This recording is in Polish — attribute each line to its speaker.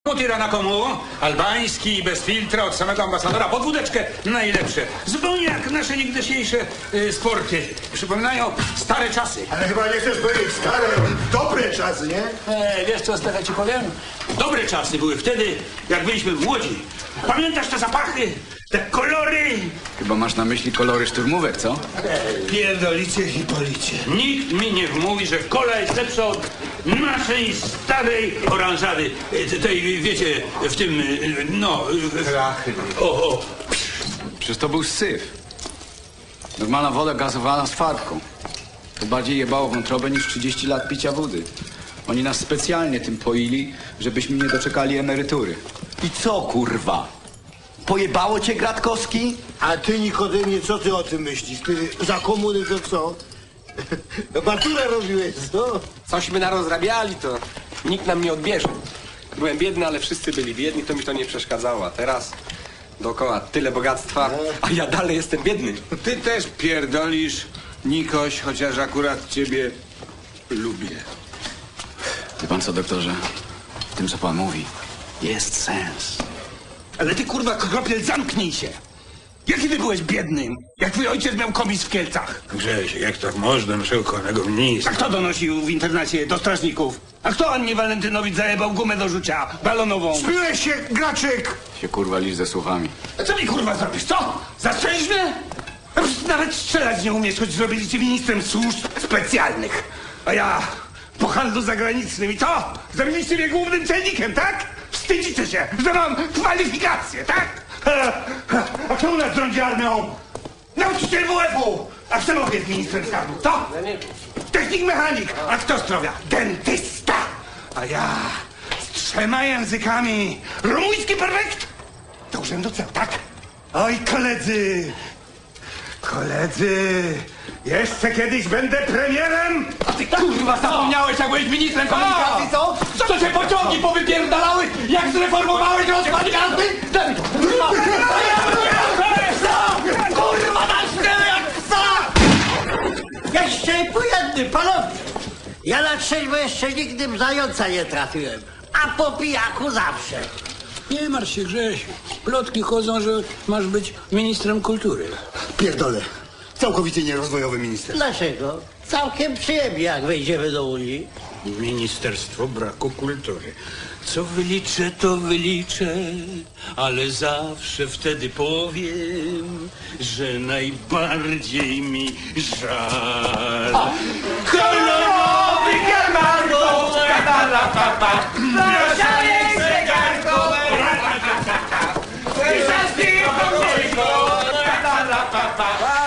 Speaker 1: Tirana komu, albański, bez filtra, od samego ambasadora, pod wódeczkę najlepsze. Zupełnie jak nasze niegdysiejsze sporty. Przypominają stare czasy.
Speaker 2: Ale chyba nie chcesz powiedzieć stare, dobre czasy, nie?
Speaker 1: Wiesz co, Stefan, ci powiem? Dobre czasy były wtedy, jak byliśmy młodzi. Pamiętasz te zapachy, te kolory?
Speaker 3: Chyba masz na myśli kolory szturmówek, co?
Speaker 2: Pierdolicie i policie.
Speaker 1: Nikt mi nie wmówi, że kola jest lepsza od naszej starej oranżady. Tej, wiecie, w tym, no...
Speaker 2: Krachy.
Speaker 1: O.
Speaker 3: Przecież to był syf. Normalna woda gazowana z farbką. To bardziej jebało wątrobę niż 30 lat picia wody. Oni nas specjalnie tym poili, żebyśmy nie doczekali emerytury.
Speaker 4: I co, kurwa? Pojebało cię, Gratkowski?
Speaker 2: A ty, Nikodemie, co ty o tym myślisz? Ty za komuny to co? Maturę robiłeś, co?
Speaker 5: Cośmy narozrabiali, to nikt nam nie odbierze. Byłem biedny, ale wszyscy byli biedni, to mi to nie przeszkadzało. A teraz dookoła tyle bogactwa, a ja dalej jestem biedny.
Speaker 6: Ty też pierdolisz, Nikoś, chociaż akurat ciebie lubię.
Speaker 3: Wie pan co, doktorze? W tym, co pan mówi, jest sens.
Speaker 7: Ale ty, kurwa, Kropiel, zamknij się! Jaki ty byłeś biednym, jak twój ojciec miał komis w Kielcach?
Speaker 1: Grześ, jak tak można, przekochanego ministra?
Speaker 7: A kto donosił w internacie do strażników? A kto Annie Walentynowicz zajebał gumę do rzucia balonową?
Speaker 2: Spyłeś się, Graczyk!
Speaker 3: Się kurwa lisz ze słowami.
Speaker 7: A co mi, kurwa, zrobisz, co? Zastrzelisz mnie? A przecież nawet strzelać nie umiesz, choć zrobili cię ministrem służb specjalnych. A ja po handlu zagranicznym i co? Zrobiliście mnie głównym celnikiem, tak? Wstydzicie się, że mam kwalifikacje, tak? A kto u nas rządzi armią? Nauczyciel WF-u! A kto jest ministrem skarbu? Co? Technik mechanik! A kto zdrowia? Dentysta! A ja z 3 językami! Rumuński perfekt! Do urzędu ceł, tak? Oj, koledzy! Koledzy! Jeszcze kiedyś będę premierem!
Speaker 5: A ty kurwa zapomniałeś, jak byłeś ministrem komunikacji, co? Co się pociągi powypierdalały, jak zreformowałeś rozkład jazdy? Daj mi to! Kurwa, dasz mnie jak psa!
Speaker 8: Jeszcze po jednym, panowie! Ja na trzeźwo jeszcze nigdy w zająca nie trafiłem, a po pijaku zawsze.
Speaker 9: Nie martw się, Grześ. Plotki chodzą, że masz być ministrem kultury.
Speaker 2: Pierdolę. Całkowicie nierozwojowy minister.
Speaker 8: Dlaczego? Całkiem przyjemnie, jak wejdziemy do Unii.
Speaker 9: Ministerstwo braku kultury. Co wyliczę, to wyliczę, ale zawsze wtedy powiem, że najbardziej mi żal.
Speaker 5: Kolorowy garmarko! Proszalej zegarko! Zaśpij po